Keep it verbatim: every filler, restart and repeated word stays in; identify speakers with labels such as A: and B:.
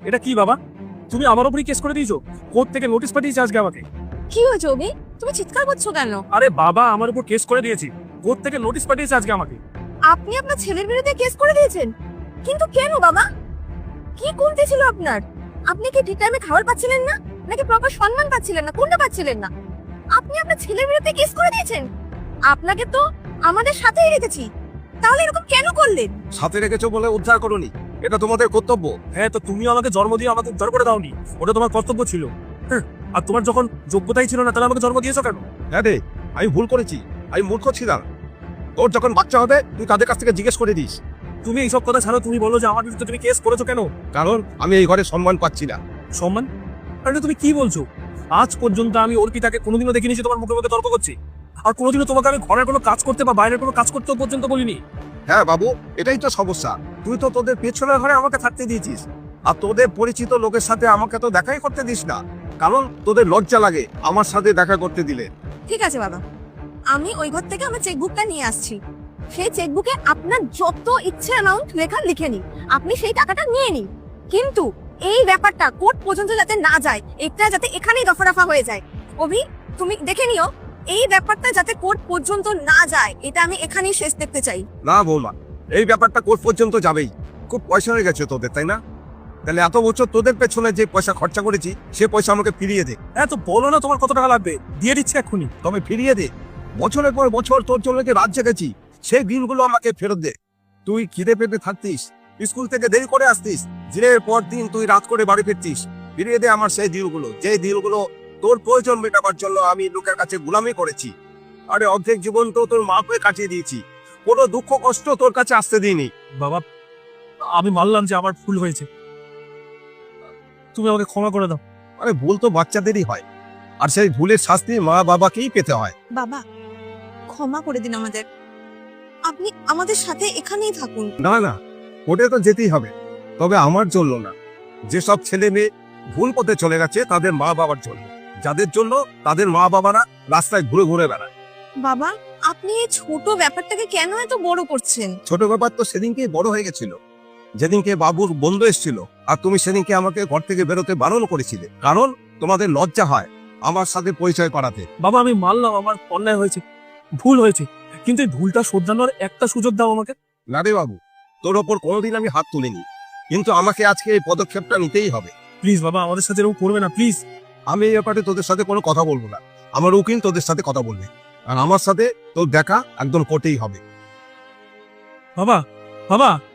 A: এটা কি বাবা? তুমি আমার উপরই কেস করে দিয়েছো? কোর্ট থেকে নোটিশ পাঠিয়েছে আজকে আমাকে।
B: কি হয়েছে অভি? তুমি চিৎকার করছো কেন?
A: আরে বাবা, আমার উপর কেস করে দিয়েছি, কোর্ট থেকে নোটিশ পাঠিয়েছে আজকে আমাকে।
B: আপনি আপনার ছেলের বিরুদ্ধে কেস করে দিয়েছেন? কিন্তু কেন বাবা? কি কমতি ছিল আপনার? আপনি কি ঠিক টাইমে খাবার পাচ্ছিলেন না, নাকি প্রপার সম্মান পাচ্ছিলেন না? কোনটা পাচ্ছিলেন না? আপনি আপনার ছেলের বিরুদ্ধে কেস করে দিয়েছেন। আপনাকে তো আমাদের সাথেই রেখেছি, তাহলে এরকম কেন করলেন?
C: সাথে রেখেছো বলে উদ্ধার করোনি, এটা তোমাদের কর্তব্য।
A: হ্যাঁ, তো তুমিও আমাকে জন্ম দিয়ে আমাকে উদ্ধার করে দাওনি, ওটা তোমার কর্তব্য ছিল। হ্যাঁ, আর তোমার যখন যোগ্যতাই ছিল না, তাহলে আমাকে জন্ম দিয়েছো কেন?
C: হ্যাঁ রে, আমি ভুল করেছি, আমি মূর্খ ছিলাম। তোর যখন বাচ্চা হবে তুই তাদের কাছ থেকে জিজ্ঞেস করে দিস।
A: তুমি এইসব কথা ছাড়ো, তুমি বলো যে আমার বিরুদ্ধে তুমি কেস করেছো কেন?
C: কারণ আমি এই ঘরে সম্মান পাচ্ছি না।
A: সম্মান? আরে তুমি কি বলছো? আজ পর্যন্ত আমি অর্পিতাকে কোনোদিনও দেখিনি যে তোমার মুখে মুখে তর্ক করছি, আর কোনোদিনও তোমাকে আমি ঘরের কোনো কাজ করতে বা বাইরের কোনো কাজ করতেও পর্যন্ত বলিনি।
C: হ্যাঁ বাবু, এটাই তো সমস্যা। তুই তো তোদের পেছনের ঘরে আমাকে থাকতে দিয়েছিস, আর তোদের পরিচিত লোকের সাথে আমাকে তো দেখাই করতে দিস না, কারণ তোদের লজ্জা লাগে আমার সাথে দেখা করতে দিলে।
B: ঠিক আছে বাবা, আমি ওই ঘর থেকে আমার চেকবুকটা নিয়ে আসছি। সেই চেকবুকে আপনার যত ইচ্ছে অ্যামাউন্ট লেখা লিখে নিন, আপনি সেই টাকাটা নিয়ে নিন। কিন্তু এই ব্যাপারটা কোর্ট পর্যন্ত যাতে না যায়, এটা যাতে এখানেই দফা রফা হয়ে যায়। অভি, তুমি দেখে নিও, এই ব্যাপারটা যাতে কোর্ট পর্যন্ত না যায়, এটা আমি এখানেই শেষ দেখতে চাই।
C: না বৌমা, এই ব্যাপারটা কোর্ট পর্যন্ত যাবেই। খুব পয়সা হয়ে গেছে তোদের, তাই না? তাহলে এত বছর তোদের পেছনে যে পয়সা খরচা করেছি, সে পয়সা আমাকে ফিরিয়ে দে।
A: হ্যাঁ, তো বলো না তোমার কত টাকা লাগবে, দিয়ে দিচ্ছি এক্ষুনি।
C: তবে ফিরিয়ে দে। বছরের পর বছর তোর জন্য যে রাত জেগেছি, সেই দিনগুলো আমাকে ফেরত দে। তুই খিদে পেটে থাকতিস, স্কুল থেকে দেরি করে আসতিস, দিনের পর দিন তুই রাত করে বাড়ি ফিরতিস। ফিরিয়ে দে আমার সেই দিনগুলো, যে দিনগুলো তোর প্রয়োজন মেটাবার জন্য আমি লোকের কাছে গুলামি করেছি। আরে অর্ধেক জীবন তো তোর মা হয়ে কাটিয়ে দিয়েছি, কোনো দুঃখ কষ্ট তোর কাছে আসতে দিইনি।
A: বাবা, আমি মানলাম যে আমার ভুল হয়েছে, তুমি আমাকে ক্ষমা করে দাও।
C: আরে ভুল তো বাচ্চাদেরই হয়, আর সেই ভুলের শাস্তি মা বাবাকেই পেতে হয়।
B: বাবা, ক্ষমা করে দিন আমাদের। আপনি আমাদের সাথে এখানেই থাকুন।
C: না না, কোর্টে তো যেতেই হবে, তবে আমার জন্য না। যেসব ছেলে মেয়ে ভুল পথে চলে গেছে তাদের মা বাবার জন্য, যাদের জন্য তাদের মা বাবারা রাস্তায় ঘুরে ঘুরে বেড়ায়।
B: বাবা, আপনি এই ছোট ব্যাপারটাকে কেন এত বড় করছেন?
C: ছোট ব্যাপার তো সেদিনকে বড় হয়ে গেছিল, যেদিনকে বাবুর বন্ধু এসেছিল, আর তুমি সেদিনকে আমাকে ঘর থেকে বেরোতে বারণ করেছিলে, কারণ তোমাদের লজ্জা হয় আমার সাথে পরিচয় করাতে।
A: বাবা, আমি মানলাম আমার অন্যায় হয়েছে, ভুল হয়েছে, কিন্তু এই ভুলটা শোধরানোর একটা সুযোগ দাও আমাকে।
C: না রে বাবু, তোর ওপর কোনোদিন আমি হাত তুলিনি, কিন্তু আমাকে আজকে এই পদক্ষেপটা নিতেই হবে।
A: প্লিজ বাবা, আমাদের সাথে এরকম করবে না, প্লিজ।
C: আমি এই ব্যাপারে তোদের সাথে কোনো কথা বলবো না, আমার উকিল তোদের সাথে কথা বলবে, আর আমার সাথে তোর দেখা একদম কোর্টেই হবে।
A: বাবা, বাবা,